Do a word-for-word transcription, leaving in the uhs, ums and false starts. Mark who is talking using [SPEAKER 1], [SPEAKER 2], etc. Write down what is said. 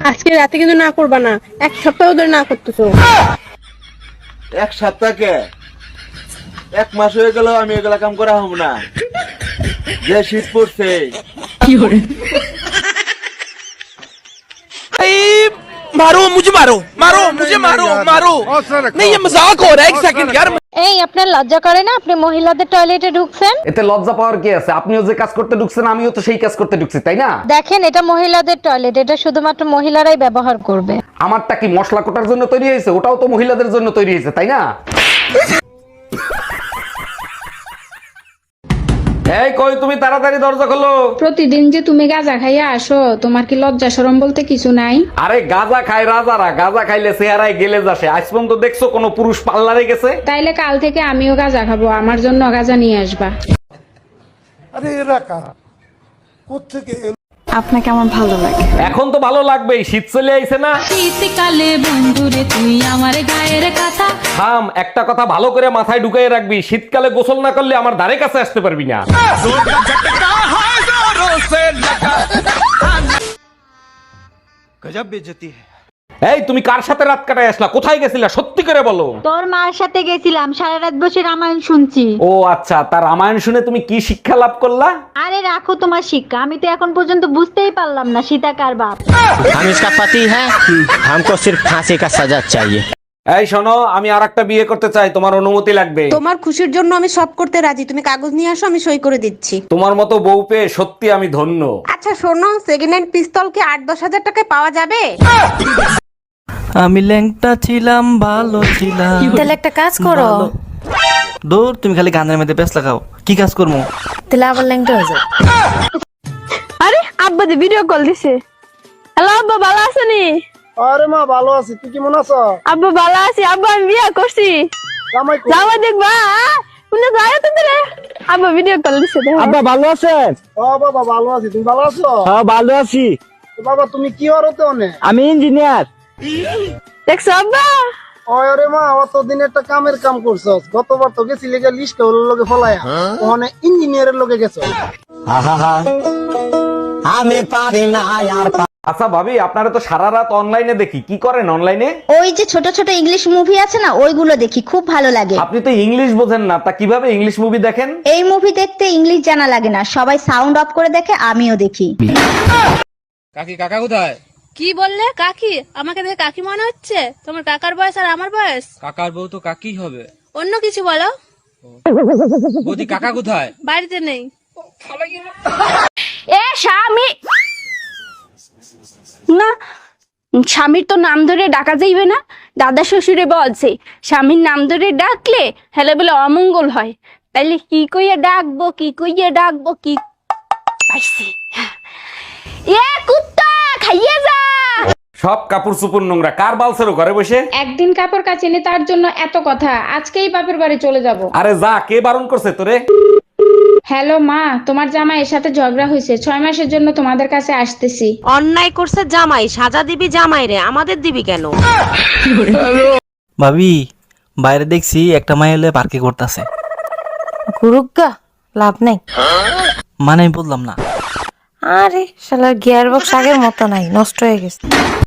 [SPEAKER 1] আজকে রাতে কিন্তু না করবা না, এক সপ্তাহ ধরে না করতেছো।
[SPEAKER 2] এক সপ্তাহকে এক মাস হয়ে গেল আমি এগুলা কাম করা হব না। যে শীত পড়ছে
[SPEAKER 3] मारो मुझे मारो मारो मुझे मारो मारो नहीं ये मजाक हो रहा है एक सेकंड यार।
[SPEAKER 4] এই আপনার লজ্জা করে না আপনি মহিলাদের টয়লেটে ঢুকছেন?
[SPEAKER 5] এতে লজ্জা পাওয়ার কি আছে? আপনিও যে কাজ করতে ঢুকছেন আমিও তো সেই কাজ করতে ঢুকছি, তাই না?
[SPEAKER 4] দেখেন এটা মহিলাদের টয়লেট, এটা শুধুমাত্র মহিলারাই ব্যবহার করবে।
[SPEAKER 5] আমারটা কি মশলা কোটার জন্য তৈরি হয়েছে? ওটাও তো মহিলাদের জন্য তৈরি হয়েছে, তাই না? এই কই তুমি, তাড়াতাড়ি দরজা খোলো।
[SPEAKER 6] প্রতিদিন যে তুমি গাঁজা খাইয়া আসো, তোমার কি লজ্জা শরম বলতে কিছু নাই?
[SPEAKER 5] আরে গাঁজা খায় রাজারা, গাঁজা খাইলে চেহারায় গেলে যাসে। আজ পর্যন্ত দেখছো কোন পুরুষ পার্লারে গেছে?
[SPEAKER 6] তাইলে কাল থেকে আমিও গাঁজা খাবো, আমার জন্য গাঁজা নিয়ে আসবা।
[SPEAKER 7] আরে এরা কারা, কোত্থেকে এলো?
[SPEAKER 8] আপনাকে আমার ভালো লাগে।
[SPEAKER 5] এখন তো ভালো লাগবেই, শীত চলে আইছে না?
[SPEAKER 8] শীতকালে বন্ধুরে তুই আমার গায়ের কথা।
[SPEAKER 5] থাম, একটা কথা ভালো করে মাথায় ঢুকাই রাখবি, শীতকালে গোসল না করলে আমার ধারে কাছে আসতে পারবি না।
[SPEAKER 3] गजब बेइज्जती है।
[SPEAKER 5] এই তুমি কার সাথে রাত কাটায় আসলা? কোথায় গেছিলা সত্যি করে বলো।
[SPEAKER 4] তোর মার সাথে গেছিলাম, সারা রাত বসে রামায়ণ শুনছি।
[SPEAKER 5] ও আচ্ছা, তার রামায়ণ শুনে তুমি কি শিক্ষা লাভ করলা?
[SPEAKER 4] আরে রাখো তোমার শিক্ষা, আমি তো এখন পর্যন্ত বুঝতেই পারলাম না সীতা কার বাপ।
[SPEAKER 9] हम इसका पति है, हमको सिर्फ फांसी का सजा चाहिए।
[SPEAKER 5] এই শোনো, আমি আরেকটা বিয়ে করতে চাই, তোমার অনুমতি লাগবে।
[SPEAKER 1] তোমার খুশির জন্য আমি সব করতে রাজি, তুমি কাগজ নিয়ে আসো, আমি সই করে দিচ্ছি।
[SPEAKER 5] তোমার মতো বউ পেয়ে সত্যি আমি ধন্য।
[SPEAKER 1] আচ্ছা শোনো, সেকেন্ড হ্যান্ড পিস্তল কি আট দশ হাজার টাকায় পাওয়া যাবে?
[SPEAKER 10] আমি ল্যাংটা ছিলাম, ভালো ছিলাম।
[SPEAKER 4] তাহলে একটা কাজ করো।
[SPEAKER 10] দূর, তুমি খালি গানের মধ্যে ব্যস্ত লাগাও, কি কাজ করবো?
[SPEAKER 4] তাহলে আবার ল্যাংটা হয়ে যাও।
[SPEAKER 1] আরে আব্বা যে ভিডিও কল দিছে। হ্যালো আব্বা, ভালো আছেনি?
[SPEAKER 7] আরে মা ভালো আছি, তুই কেমন আছো?
[SPEAKER 1] আব্বা ভালো আছি, আব্বা আমি বিয়ে করছি।
[SPEAKER 7] জামাই কই?
[SPEAKER 1] যাওয়া দেখবা শুনে যায় তো রে। আব্বা ভিডিও কল দিছে।
[SPEAKER 7] আব্বা ভালো আছেন? ও বাবা ভালো আছি, তুমি ভালো আছো?
[SPEAKER 10] হ্যাঁ ভালো আছি,
[SPEAKER 7] তো বাবা তুমি কি হরতে অনে?
[SPEAKER 10] আমি ইঞ্জিনিয়ার।
[SPEAKER 1] দেখছো আব্বা?
[SPEAKER 7] ওরে মা অতদিন একটা কামের কাম করছস, গতবার তো গেছিলি গা লিস্টে ওর লগে ফলায়া, ওখানে ইঞ্জিনিয়ারের লগে গেছো।
[SPEAKER 9] আমি পারি না আর।
[SPEAKER 5] আচ্ছা ভাবি, আপনারা তো সারা রাত অনলাইনে দেখি, কি করেন অনলাইনে?
[SPEAKER 4] ওই যে ছোট ছোট ইংলিশ মুভি আছে না, ওইগুলো দেখি, খুব ভালো লাগে।
[SPEAKER 5] আপনি তো ইংলিশ বোঝেন না, তা কিভাবে ইংলিশ মুভি দেখেন?
[SPEAKER 4] এই মুভি দেখতে ইংলিশ জানা লাগে না, সবাই সাউন্ড অফ করে দেখে, আমিও দেখি।
[SPEAKER 3] কাকি কাকা কোথায়?
[SPEAKER 8] কি বললে? কাকি? আমাকে দেখে কাকি মনে হচ্ছে? তোমার কাকার বয়স আর আমার বয়স?
[SPEAKER 3] কাকার বউ তো কাকি হবে।
[SPEAKER 8] অন্য কিছু বলো।
[SPEAKER 3] বৌদি কাকা কোথায়?
[SPEAKER 8] বাড়িতে নেই।
[SPEAKER 1] এ স্বামী না, স্বামীর তো নাম ধরে ডাকা যাইবে না। দাদা শ্বশুরে বলছে স্বামীর নাম ধরে ডাকলে হেলে বলে অমঙ্গল হয়। তাইলে কি কইয়া ডাকবো, কি কইয়া ডাকবো, কি পাইছি। এ কুত্তা খাইয়ে যা।
[SPEAKER 5] সব কাপড় চুপুর নোংরা, কার বালছেরো ঘরে বসে?
[SPEAKER 6] একদিন কাপড় কাচিনি তার জন্য এত কথা, আজকেই বাপের বাড়ি চলে যাব।
[SPEAKER 5] আরে যা, কে বারণ করছে তোরে?
[SPEAKER 6] হ্যালো মা, তোমার জামাইয়ের সাথে ঝগড়া হয়েছে, ছয় মাসের জন্য তোমাদের কাছে আসতেছি।
[SPEAKER 11] অন্যায় করছে জামাই, সাজা দিবি জামাই রে, আমাদের দিবি কেন?
[SPEAKER 10] ভাবি, বাইরে দেখছি একটা মাই হলে পার্কে করতেছে।
[SPEAKER 4] গুরুগা লাভ নেই।
[SPEAKER 10] মানে আমি বললাম না।
[SPEAKER 4] আরে শালার গিয়ার বক্স আগের মতো নাই, নষ্ট হয়ে গেছে।